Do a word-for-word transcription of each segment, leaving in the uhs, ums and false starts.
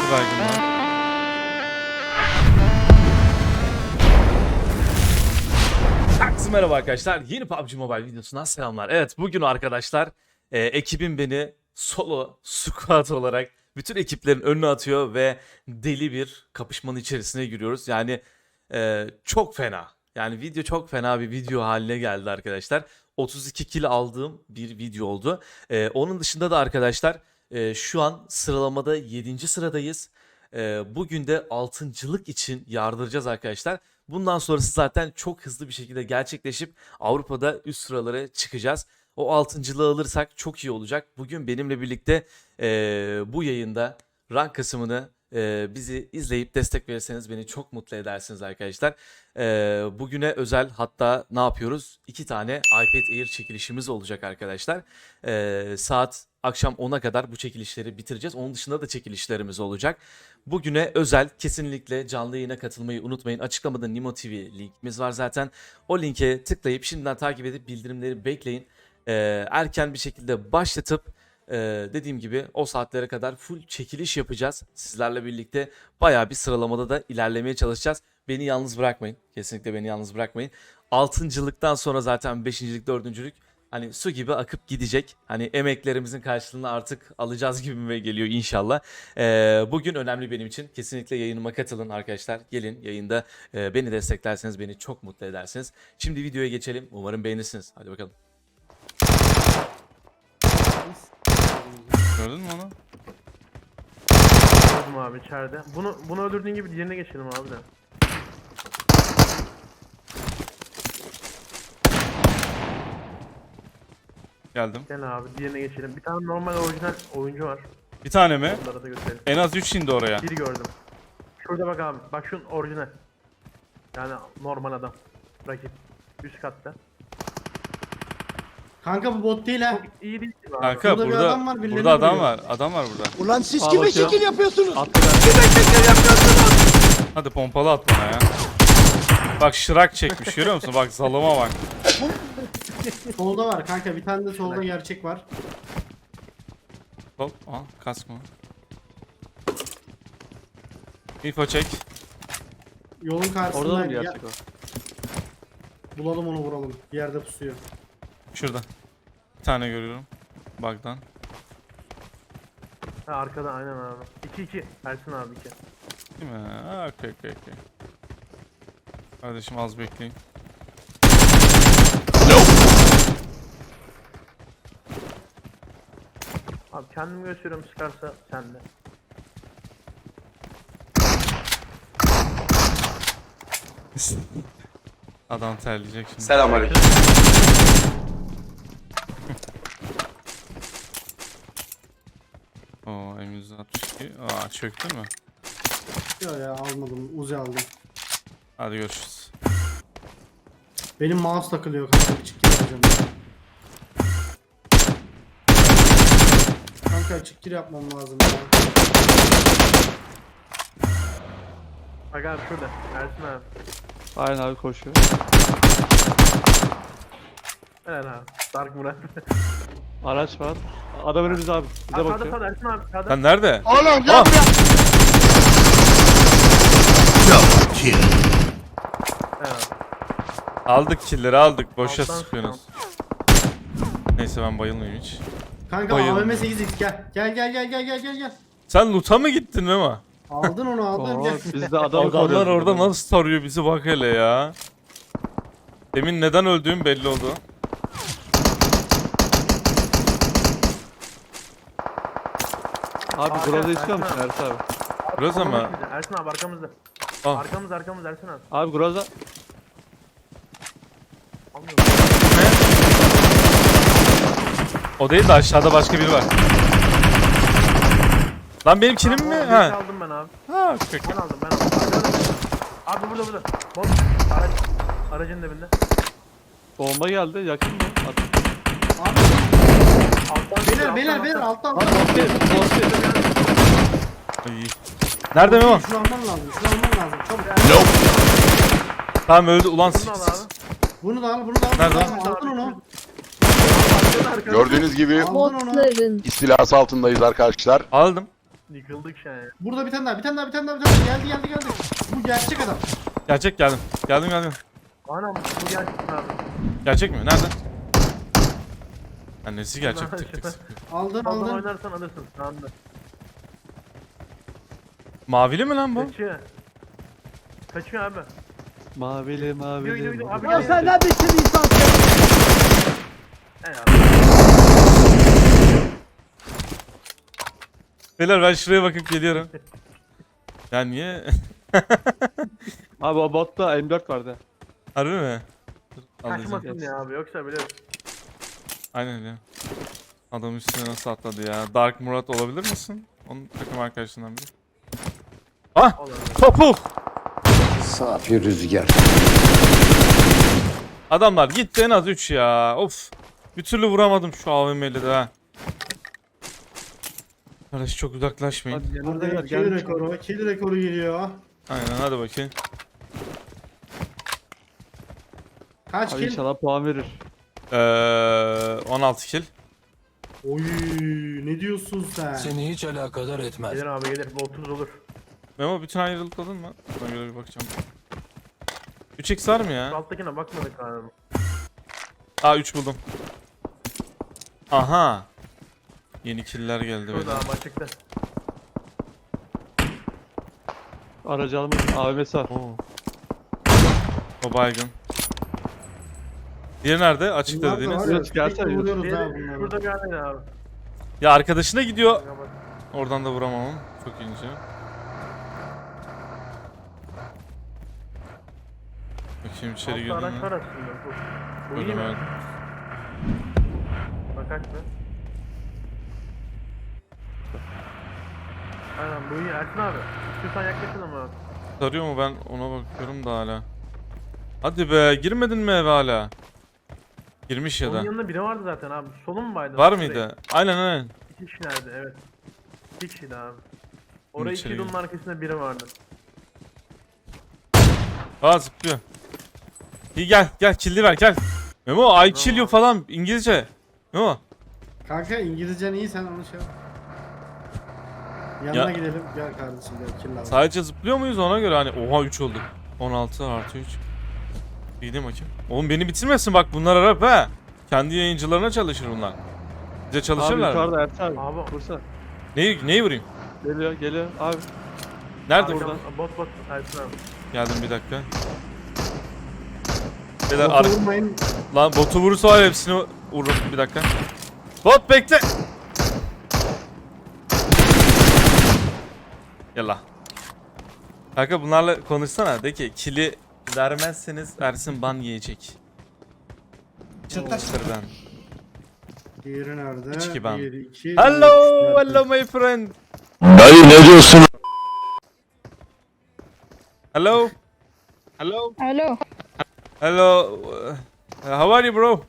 Bir baygın var. Herkese merhaba arkadaşlar. Yeni P U B G Mobile videosundan selamlar. Evet, bugün arkadaşlar e, ekibim beni solo squad olarak bütün ekiplerin önüne atıyor ve deli bir kapışmanın içerisine giriyoruz. Yani e, çok fena. Yani video çok fena bir video haline geldi arkadaşlar. otuz iki kill aldığım bir video oldu. E, onun dışında da arkadaşlar e, şu an sıralamada yedinci sıradayız. E, bugün de altıncılık için yardıracağız arkadaşlar. Bundan sonrası zaten çok hızlı bir şekilde gerçekleşip Avrupa'da üst sıralara çıkacağız. O altıncılığı alırsak çok iyi olacak. Bugün benimle birlikte e, bu yayında rank kısmını e, bizi izleyip destek verirseniz beni çok mutlu edersiniz arkadaşlar. E, bugüne özel hatta ne yapıyoruz? İki tane iPad Air çekilişimiz olacak arkadaşlar. E, saat akşam ona kadar bu çekilişleri bitireceğiz. Onun dışında da çekilişlerimiz olacak. Bugüne özel kesinlikle canlı yayına katılmayı unutmayın. Açıklamada Nimo T V linkimiz var zaten. O linke tıklayıp şimdiden takip edip bildirimleri bekleyin. Ee, erken bir şekilde başlatıp e, dediğim gibi o saatlere kadar full çekiliş yapacağız. Sizlerle birlikte bayağı bir sıralamada da ilerlemeye çalışacağız. Beni yalnız bırakmayın. Kesinlikle beni yalnız bırakmayın. Altıncılıktan sonra zaten beşincilik, dördüncülük hani su gibi akıp gidecek. Hani emeklerimizin karşılığını artık alacağız gibime geliyor inşallah. Ee, bugün önemli benim için. Kesinlikle yayınıma katılın arkadaşlar. Gelin yayında e, beni desteklerseniz beni çok mutlu edersiniz. Şimdi videoya geçelim. Umarım beğenirsiniz. Hadi bakalım. Gördün mü onu? Gördüm abi içeride. Bunu bunu öldürdüğün gibi diğerine geçelim abi de. Geldim. Gel abi diğerine geçelim. Bir tane normal orijinal oyuncu var. Bir tane mi? Onlara da gösterelim. En az üç indi oraya. Biri gördüm. Şurada bak abi. Bak şunun orijinal. Yani normal adam. Rakip. Üst katta. Kanka bu bot değil ha. Çok iyi değil mi abi? Kanka Burada bir burada adam var, birilerini burada adam vuruyor. var. Adam var burada. Ulan siz Al kime bakayım. şekil yapıyorsunuz? Hadi pompalı at bana ya. Bak şırak çekmiş görüyor musun? Bak zalıma bak. Solda var kanka, bir tane de solda gerçek var. Hop, al kask mı? Info çek. Yolun karşısında. Orada mı ya- gerçek o? Bulalım onu, vuralım. Bir yerde pusuyor. Şurada. Bir tane görüyorum. Bug'dan. Ha arkada aynen abi. iki iki. Ersin abi iki. Değil mi? Ha, okey okey okey. Kardeşim az bekleyin. Abi kendimi gösteriyorum, sıkarsa sende. Adam terleyecek şimdi. Selamünaleyküm. Oo M yüz altmış iki. Aa çöktü mü? Yok ya, almadım. Uzi aldım. Hadi görüşürüz. Benim mouse takılıyor kanka. Çık gir yapacağım. Kanka çık gir yapmam lazım ya. Bak abi şurada. Ersin abi. Aynen abi koşuyor. Helal abi. Dark Murat. Araç var. Adam önümüzde abi. Bize Sağda bakıyor. sağda Ersin abi. Sağda. Sen nerede? Oğlum gel Ah! buraya. Evet. Aldık killleri aldık. Boşa Alttan sıkıyorsunuz. Neyse ben bayılmayayım hiç. Kanka Bayıldım. A V M sekiz x gel. Gel gel gel gel gel gel gel. Sen loot'a mı gittin Mema? Aldın onu, aldın Oo, gel. biz de adamı Adamlar koruyoruz orada burada. nasıl tarıyor bizi bak hele ya. Demin neden öldüğüm belli oldu. Abi Arka, Groza istiyor Ersin musun abi. Ersin abi? Burası mı? Ersin abi arkamızda. Ah. Arkamız arkamız Ersin abi. Abi Groza. Almıyorum. O değil de aşağıda başka biri var. Lan benim killim mi? Abi, Ha. aldım ben abi. Ha, okey. Ben aldım ben aldım. Arkada. Abi burada burada. Bot. Araç. Aracın dibinde. Bomba geldi. Yakın mı? At. Abi, Alttan beyler alttan, beyler alttan. beyler alttan. Abi bot değil. Bot değil. İyi. Nerede Memo? Şunu alman lazım. Şunu alman lazım. Çabuk. Tamam öldü ulan Bunu al s- abi. Bunu da al, bunu da al. Nerede? Bunu da al. Aldın onu. Arkada, arkada. Gördüğünüz gibi Aldın onu. Botların istilası altındayız arkadaşlar. Aldım. Yıkıldık şu an ya. Burada bir tane daha, bir tane daha, bir tane daha, bir tane daha. Geldi, geldi, geldi. Bu gerçek adam. Gerçek geldim. Geldim geldim. Anam bu gerçekten abi. Gerçek mi? Nerede? Annesi gerçek tık tık. sıkıyor. Aldın, Fazla aldın. oynarsan alırsın şu anda. Mavili mi lan bu? Kaçıyor. Kaçıyor abi. Mavili Gidiyor gidiyor mavili. gidiyor. Abi mavili. gel. sen ne biçim insansın? Ey abi. Beyler ben şuraya bakıp geliyorum. Ya niye? Abi o botta M dört vardı. Harbi mi? Dur, alacağım. Kaçmasın ya abi yoksa biliyorsun. Aynen öyle. Adam üstüne nasıl atladı ya? Dark Murat olabilir misin? Onun takım arkadaşından biri. Ah! Olur. Topu! Safi rüzgar. Adamlar gitti en az üç ya. Of. Bir türlü vuramadım şu A V M'li de ha. Kardeş çok uzaklaşmayın. Hadi yanımda Burada gel. kill Gel. rekoru, kill rekoru geliyor. Aynen hadi bakayım. Kaç Abi kill? inşallah puan verir. Ee, on altı kill. Oy, ne diyorsun sen? Seni hiç alakadar etmez. Gelir abi gelir. Bu otuz olur. Memo bütün ayrılıkladın mı? Ona göre bir bakacağım. üç x var mı Şu ya? alttakine bakmadık abi. Aa üç buldum. Aha. Yeni killer geldi Şurada böyle. abi açıkta. Aracı almış. A V M'si var. Oo. O baygın. Diğeri nerede? Açıkta Bunlar da dediğiniz. var ya, Evet, gelsene sürekli Yunus. vuruyoruz ha Diğeri bunları. şurada bir yerdeydi abi. Ya arkadaşına gidiyor. Bak, bak. Oradan da vuramamam. Çok ince. Bakayım içeri Altta girdim araç mi? var aslında. Bu, bu iyi Gördüm mi? evet. Bak aç be. Aynen bu iyi Ersin abi. İstiyorsan yaklaşın ama. Sarıyor mu ben ona bakıyorum da hala. Hadi be girmedin mi eve hala? Girmiş ya Onun da. yanında biri vardı zaten abi. Solun mu baydı? Var mıydı? Aynen aynen. İki kişi nerede? Evet. İki kişiydi abi. Oraya içeri iki yılın arkasında biri vardı. Aa zıplıyor. İyi gel gel killi ver gel. Memo I kill you falan İngilizce. Memo. Kanka İngilizcen iyi, sen onu şey yap. Yanına Ya- gidelim. Gel kardeşim gel, kill al. Sadece zıplıyor muyuz ona göre hani oha üç olduk. on altı artı üç. İyi bakayım. Oğlum beni bitirmesin bak bunlar Arap ha. Kendi yayıncılarına çalışır bunlar. Bize Abi çalışırlar mı? yukarıda Ersin abi. Abi. Vursa. Neyi, neyi vurayım? Geliyor geliyor. Abi. Nerede Abi, burada? Bot bot Ersin abi. Geldim bir dakika. Beyler Botu ar- vurmayın. Lan botu vurursa var ya, hepsini vururum bir dakika. Bot bekle. Yallah. Kanka bunlarla konuşsana de ki kili vermezseniz Ersin ban yiyecek. Çıtırdan. Diğeri nerede? Üç iki ben. Bir, iki, Hello, üç, dört, hello my friend. Dayı ne diyorsun? Hello. Hello. Hello. Hello. Uh, how are you bro?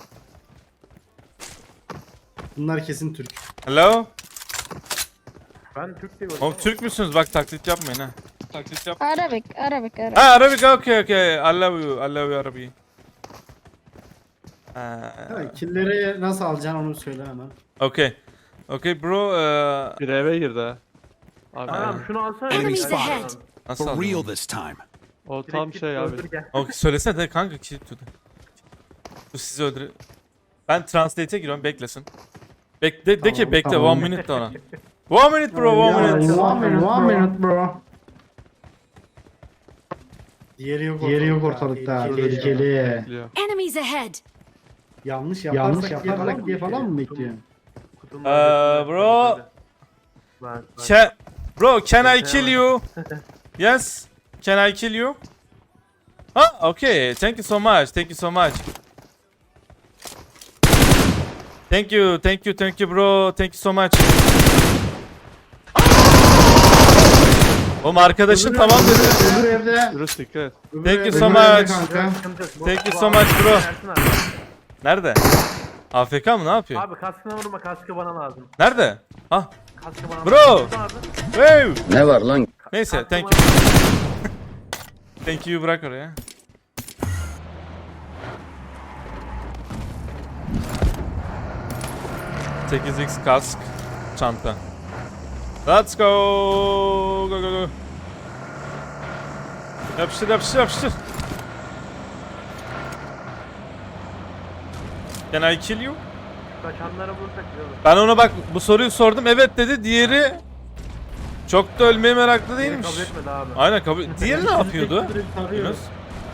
Bunlar kesin Türk. Hello. Ben Türk diye Oğlum Türk müsünüz? Bak taklit yapmayın ha. Taklit yap. Arabic, Arabic, Arabic. Ha Arabic okay okay. I love you. I love you Arabi. Ha, Uh, killleri nasıl alacaksın onu söyle hemen. okay. Okay bro. Uh, Bir eve girdi ha. Abi. Tamam şunu alsana. Enemies Gel. ahead. nasıl For alayım? real this time. O Direkt tam git, şey abi. öldür gel. Okay, söylesene de kanka ki tutun. Dur sizi öldür. Ben translate'e giriyorum beklesin. Bek de, de ki Tamam, bekle tamam. one minute de ona. One minute bro one Ya, minute. One minute, one minute bro. Diğeri yok ortalıkta. Diğeri yok ortalıkta. Tehlikeli. Bekliyor. Enemies ahead. Yanlış yaparsak, Yanlış yaparsak diye falan mı bekliyorsun? Kutunun Ee, arkasında. bro. Bak, bak. Can, bro can I kill you? Yes. Can I kill you? Ah okay. Thank you so much. Thank you so much. Thank you, thank you, thank you bro. Thank you so much. Oğlum arkadaşın tamam dedi. Öbür evde. Yunus dikkat et. öbür Thank you evde so kanka. much. Sıkıntı yok. Bu- Thank you bu so abi- much, bro. Ersin abi. Nerede? A F K mı ne yapıyor? Abi kaskına vurma kaskı bana lazım. Nerede? Ha. Kaskı bana Bro. lazım. Abi. Hey. Ne var lan? Neyse Kaskı thank bana you. lazım. Thank you bırak oraya. sekiz x kask çanta. Let's go. Go go go. Yapıştır yapıştır yapıştır. Can I kill you? Kaçanlara vursak güzel olur. Ben ona bak bu soruyu sordum. Evet dedi. Diğeri çok da ölmeye meraklı değilmiş. Kabul etmedi abi. Aynen kabul. Diğeri ne yapıyordu? Direkt tarıyor. Yunus.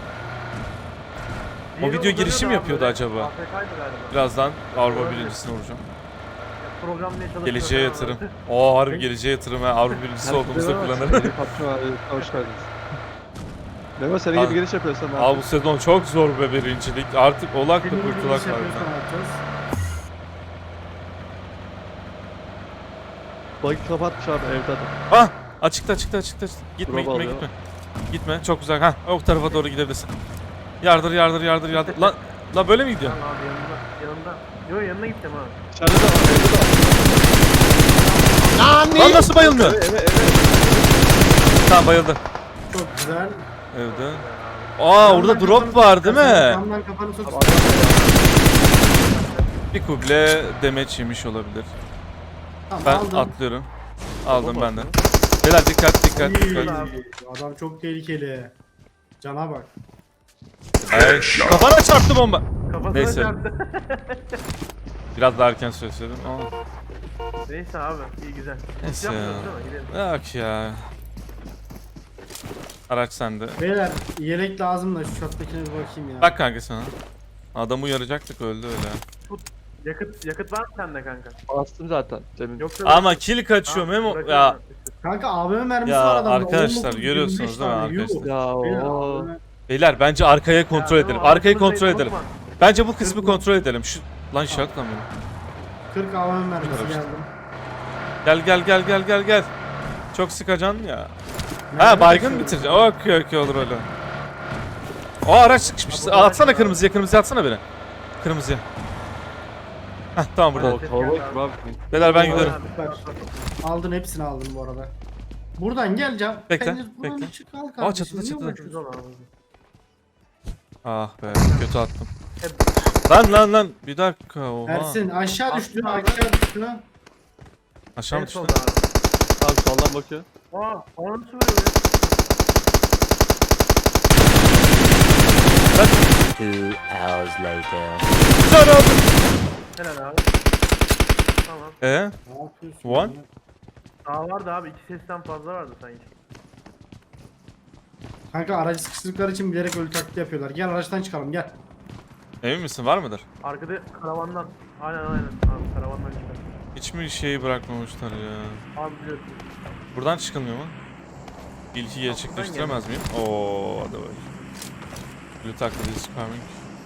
O Diğeri video uzanıyordu girişim abi yapıyordu böyle. acaba. A F K'ydı galiba. Birazdan Avrupa Olabilir. birincisine vuracağım. Programlamaya çalışıyor. Geleceğe yatırım. Oo harbi geleceğe yatırım ha. Avrupa birincisi olduğumuzda kullanırım. P U B G abi, hoş geldiniz. Memo senin Al. gibi giriş yapıyorsan ne Abi bu yapıyorsun? sezon çok zor be birincilik. Artık olak da Senin gibi kurtulak iş yapıyorsan var. ne yapacağız? Bug'i kapatmış abi evde adam. Ah! Açıkta açıkta açıkta. açıkta. Gitme Drop gitme alıyor. gitme. Gitme çok güzel. Ha o tarafa doğru gidebilirsin. Yardır yardır yardır yardır. Lan la böyle mi gidiyor? Tamam abi yanında. Yanında. Yo yanına gittim ha. İçeride de var evde de var. Lan nasıl bayılmıyor? Evet evet evet. Tamam bayıldı. Çok güzel. Evde. Aa orada Camdan drop kafanı var tut, değil mi? Camdan kafanı tut. Bir kuble demeç yemiş olabilir. Tamam, Ben aldım. atlıyorum. Aldım ben de. Beyler dikkat dikkat İyi. dikkat. Adam çok tehlikeli. Cana bak. Ay, kafana çarptı bomba. Kafasına Neyse. çarptı. Biraz daha erken söyledim ama. Neyse abi iyi güzel. Neyse Yapmıyoruz ya. değil mi? Gidelim. Yok ya. Araç sende. Beyler yelek lazım da şu shot'takine bir bakayım ya. Bak kanka sana. Adamı uyaracaktık öldü öyle. Yakıt yakıt var mı sende kanka? Bastım zaten demin. Yoksa Ama kill kaçıyor Ha, Memo. bırakıyorum Ya ben. Kanka A V M mermisi Ya var adamda. arkadaşlar, on dokuz, görüyorsunuz yirmi beş değil mi tane, yuh. arkadaşlar? Ya Beyler, o. A V M beyler bence arkayı kontrol Ya, edelim. tamam, Arkayı aklımıza kontrol edelim. sokma. Bence bu kısmı kontrol edelim. Şu lan şart lan benim. kırk A V M mermisi Karıştı. geldim. Gel gel gel gel gel gel. Çok sıkacaksın ya. Ha Mermi baygın kaçıyor. bitireceksin. Okey okey olur öyle. O araç sıkışmış. Ha, bu Atsana araç- kırmızıya kırmızıya atsana beni. Kırmızıya. Heh tamam burada. O kalabalık gibi abi. Beyler ben Abi, gidiyorum. abi, Aldın hepsini aldın bu arada. Buradan gel Can. Bekle, Pencere- buradan bekle. çık, al Aa, kardeşim, çatıda, niye çatıda. uğraşıyorsun? Güzel abi. Ah be kötü attım. Lan lan lan bir dakika oha. Ersin aşağı düştü Aslında- aşağı düştü. Aşağı En mı düştü? solda abi. Abi soldan bakıyor. Aa, ona nasıl vuruyor ya? Two hours later. Güzel abi. Helal abi. Tamam. Ee? Ne yapıyorsun? One? ya? Daha vardı abi. iki sesten fazla vardı sanki. Kanka aracı sıkıştırdıkları için bilerek ölü taklidi yapıyorlar. Gel araçtan çıkalım gel. Emin misin var mıdır? Arkada karavandan. Aynen aynen. Abi karavandan çıkar. Hiç mi şeyi bırakmamışlar ya? Abi biliyorsun. Buradan çıkılmıyor mu? İlki gerçekleştiremez miyim? Oo hadi bak. Blue taklidi is coming.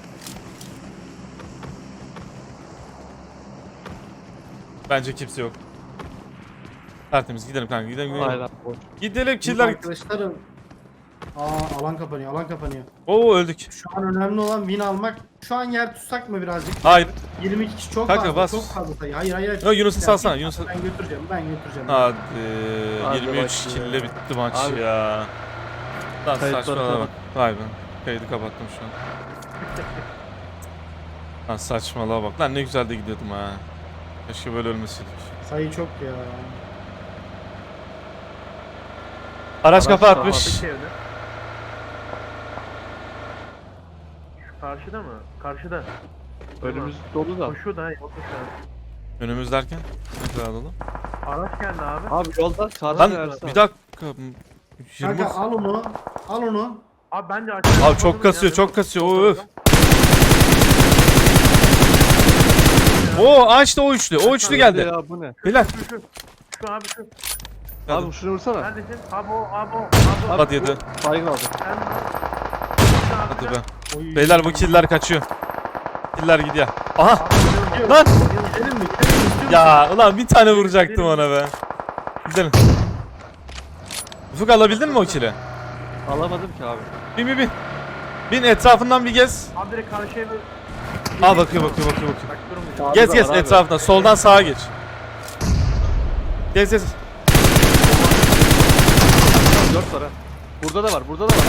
Bence kimse yok. Tertemiz gidelim kanka gidelim gidelim. Aynen. boş. Gidelim Dur killer. arkadaşlarım. Aa alan kapanıyor alan kapanıyor. Oo öldük. Şu an önemli olan win almak. Şu an yer tutsak mı birazcık? Hayır. yirmi iki kişi çok Kanka, fazla bas. çok fazla sayı. Hayır hayır. Yo, Yunus'u Ya, salsana, bir- Yunus'u- Ben götüreceğim ben götüreceğim. Hadi. Hadi yirmi üç bakayım. kille bitti maç Abi. ya. Lan Kayıtları saçmalama. kapat. Vay be. Kaydı kapattım şu an. Lan saçmalığa bak. Lan ne güzel de gidiyordum ha. Keşke böyle ölmeseydik. Sayı çok ya. Araç kafa Araç atmış. Kapıdaki evde. Şu karşıda mı? Karşıda. Önümüz dolu da. Koşuyor da. Yol koşuyor. Önümüz derken ne kadar dolu? Araç geldi abi. Abi yolda karşı Lan Ersin bir abi. dakika. yirmi. Kanka al onu. Al onu. Abi bence açık. Abi çok kasıyor, çok kasıyor. Öf. Oo açtı o üçlü. O üçlü geldi. Ya bu ne? Beyler. Şu şu. Şu abi şu. Abi şunu vursana. Neredesin? Abi o abi o. Abi o. Hadi yedi. Baygın aldı. Sen Hadi be. Oy. Beyler bu killer kaçıyor. Killer gidiyor. Aha. Abi, Lan. Gidelim mi? Gidelim mi? İstiyor musun? Ya ulan bir tane vuracaktım ona be. Gidelim. Ufuk alabildin mi o kili? Alamadım ki abi. Bin bin bin. Bin etrafından bir gez. Abi direkt karşıya bir... Aa bakıyor bakıyor bakıyor bakıyor. Bak durmuyor. Abi Gez var gez abi. etrafından. Soldan sağa geç. Gez gez. Dört var ha. Burada da var, burada da var.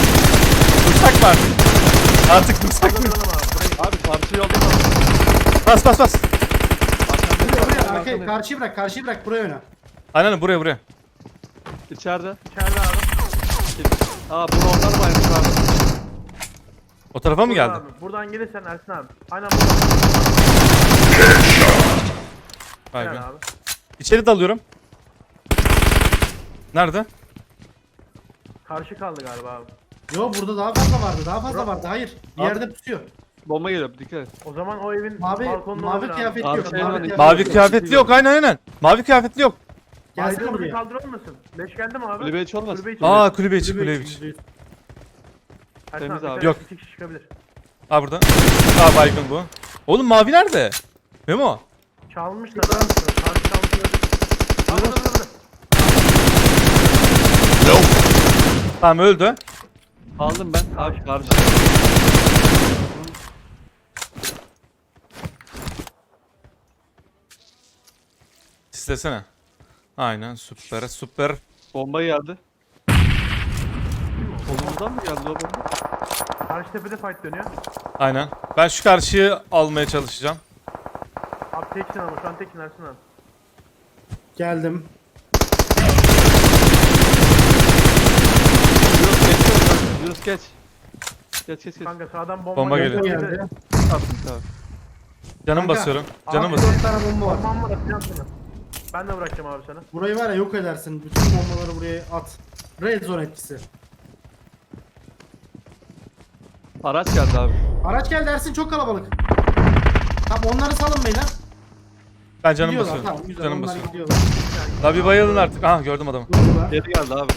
Dursak mı artık? Artık dursak mı? Duralım abi. Burayı Abi karşı yolda var. Bas bas bas. Buraya buraya arkaya Arkandayım. karşıyı bırak karşıyı bırak buraya oyna. Aynen buraya buraya. İçeride. İçeride abi. Aa bu onlar mı aynı abi? O tarafa mı Buradan geldi? abi. Buradan gelirsen Ersin abi. Aynen buradan. Vay Gel be. abi. İçeri dalıyorum. Nerede? Karşı kaldı galiba abi. Yo burada daha fazla vardı daha fazla vardı hayır. Bir Abi- yerde pusuyor. Bomba geliyor dikkat et. O zaman o evin Mavi balkonunda mavi olabilir abi. kıyafetli Abi yok. şey var, Mavi kıyafetli Mavi yok. kıyafetli yok aynen aynen. Mavi kıyafetli yok. Gelsene Baydığımızı buraya. kaldırır mısın? Leş geldi mi abi? Kulübe hiç olmaz. Kulübe içi. Aa kulübe içi Kulübe kulübe içi, içi. kulübe içi. Ersin Temiz abi. abi. dikkat Yok. et, İki kişi çıkabilir. Aa burada. Aa baygın bu. Oğlum mavi nerede? Memo. Çalmış da. Karşı çalmış olabilir. Abi burada burada. Tamam öldü. Aldım ben. Abi karşı. İstesene. Aynen süper süper. Bomba geldi. Kolumuzdan mı geldi o bomba? Karşı tepede fight dönüyor. Aynen. Ben şu karşıyı almaya çalışacağım. Abi teksin ama şu an teksin Ersin abi. Geldim. Yunus geç. Yunus geç. Geç geç geç. Kanka sağdan bomba, Bomba geldi. geliyor. Geldi. Attım tamam. Canım Kanka. basıyorum. Canım Abi, basıyorum. dört tane bomba var. Bombam var atacağım sana. Ben de bırakacağım abi sana. Burayı var ya yok edersin. Bütün bombaları buraya at. Red zone etkisi. Araç geldi abi. Araç geldi Ersin çok kalabalık. Tamam onları salın beyler. Ben canım Gidiyorlar, basıyorum. Tamam güzel Canım onlar basıyorum. gidiyorlar. Daha bir bayılın artık. Aha gördüm adamı. Durdular. Geri geldi abi.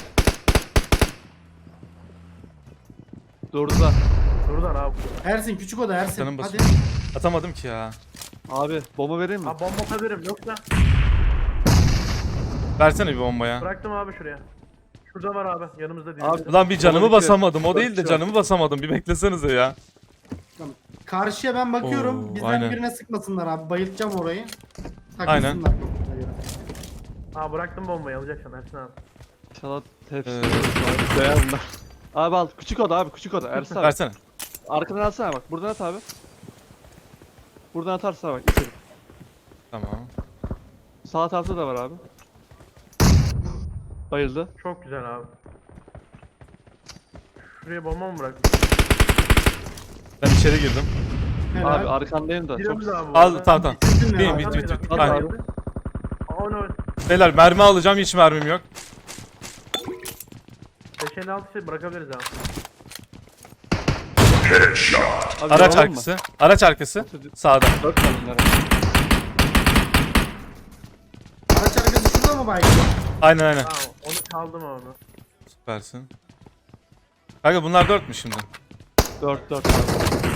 Durdular. Şuradan abi. Ersin küçük oda Ersin. Canım Hadi. basıyorum. Atamadım ki ya. Abi bomba vereyim mi? Abi bomba atabilirim yoksa. Versene bir bomba ya. Bıraktım abi şuraya. Şurada var abi yanımızda değil. Abi, Ulan bir canımı Bomba basamadım. O bitiyor. değil de canımı basamadım. Bir beklesenize ya. Tamam. Karşıya ben bakıyorum. Oo, Bizden aynen. birine sıkmasınlar abi. Bayıltacağım orayı. Aynen. Takılsınlar. Aa bıraktım bombayı alacaksın Ersin abi. İnşallah tepsi. Ee. Değer bunlar. Abi al. Küçük oda abi küçük oda. Ersin abi. Versene. Arkadan atsana bak. Buradan at abi. Buradan atarsana bak. İçeri. Tamam. Sağ tarafta da var abi. Bayıldı. Çok güzel abi. Şuraya bomba mı bıraktın? Ben içeri girdim. Helal. Abi arkandayım da. Çok... Giremiz abi. bu Al arada. tamam tamam. Bitirdin mi Bin abi? bit bit bit. Al Aynen. abi. Aa o ne o? Beyler mermi alacağım. Hiç mermim yok. beş elli altı şey bırakabiliriz abi. Abi Araç yapalım mı? arkası. Araç arkası. Sağda. Dört tane bunlar. Araç arkası şurada mı baygın? Aynen aynen. Tamam onu çaldım abi. Süpersin. Kanka bunlar dört mü şimdi? Dört dört abi.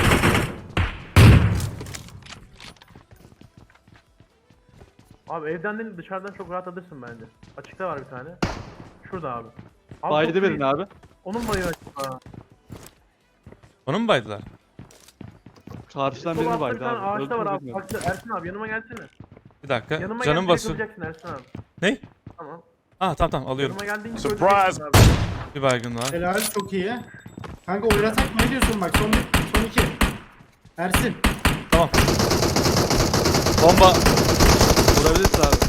Abi evden değil dışarıdan çok rahat alırsın bence. Açıkta var bir tane. Şurada abi. Abi Baydı çok verin iyi. abi. Onun bayı açık. Ha. Onu mu baydılar? Karşıdan Sol birini altta bir baydı tane abi. ağaçta Öldü var mü abi. bilmiyorum. Bak Ersin abi yanıma gelsene. Bir dakika. Yanıma Canım gel basıyor. yakacaksın Ersin abi. Ne? Tamam. Ah tamam tamam alıyorum. Yanıma geldiğin Surprise! öleceksin abi. Bir baygın var. Helal çok iyi. Kanka oynasak mı ne diyorsun bak son bir, son iki. Ersin. Tamam. Bomba. Vurabilirsin abi.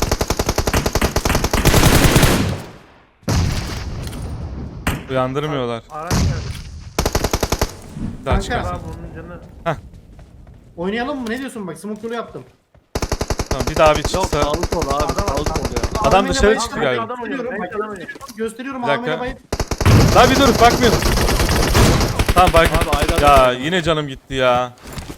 Uyandırmıyorlar. Araç geldi. Bir daha Kanka. çıkarsın. Abi onun canı. Oynayalım mı ne diyorsun bak smoke yolu yaptım. Tamam bir daha bir Yok çıksa. sağlı sol abi. Adam- Sağlı sol ya. Adam Ahmet'e dışarı bayıldım, çıktı bak, galiba. Adam oynuyor. Gösteriyorum Belki bak adam oynuyor. gösteriyorum Bir dakika. Ahmet'e bayıl. Daha bir dur bakmıyorum. Tamam baygın. Abi ayrı Ya adam. yine canım gitti ya.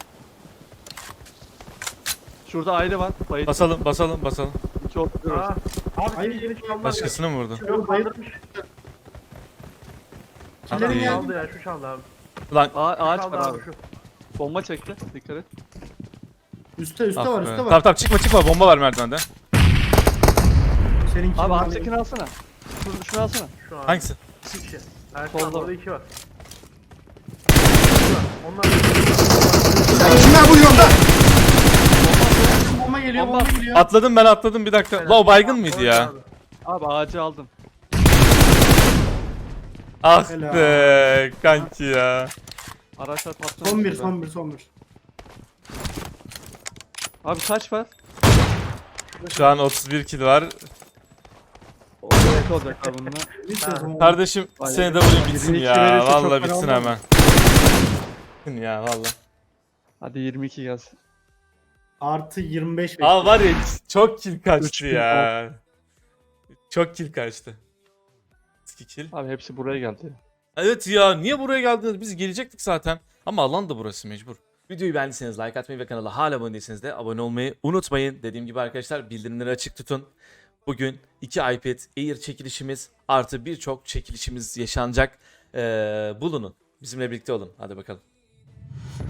Şurada ayrı var. Bayıldı. Basalım basalım basalım. İki oturuyoruz. Aa, abi Hayır, yeni yeni çaldı. Başkasını mı vurdu? Yok kaldırmış. Killerin Hadi. geldi. Çaldı ya şu çaldı abi. Ulan A ağaç Çaldı var abi. şu. Bomba çekti. Dikkat et. Üste üste ah var be. üste Tamam var. tamam çıkma çıkma bomba var merdivende. Senin Abi kilini ağaçtakini alsana. Şunu, şunu alsana. Şu an. Hangisi? İki kişi. Ersin Solda. abi orada iki var. İki var. Onlar Kimler bu yolda? Bomba geliyor Bomba. bomba geliyor. Atladım ben atladım bir dakika. La o baygın mıydı Orada ya? abi. Abi ağacı aldım. Ah Helal. be kanki ya. Araçlar patlamış. Son bir burada. son bir son bir. Abi kaç var? Şu an otuz bir kill var. O evet olacak abi bununla. Ne istiyorsun oğlum? Kardeşim Vay seni be. de vurayım bitsin yirmi iki ya. verirse çok Vallahi fena bitsin olmaz hemen. Bitsin ya valla. Hadi yirmi iki gelsin. Artı yirmi beş Aa var ya çok kill Üç kaçtı kill ya. Çok kill kaçtı. iki kill. Abi hepsi buraya geldi. ya. Evet ya niye buraya geldiniz? Biz gelecektik zaten. Ama alan da burası mecbur. Videoyu beğendiyseniz like atmayı ve kanala hala abone değilseniz de abone olmayı unutmayın. Dediğim gibi arkadaşlar bildirimleri açık tutun. Bugün iki iPad Air çekilişimiz artı birçok çekilişimiz yaşanacak. Ee, bulunun. Bizimle birlikte olun. Hadi bakalım.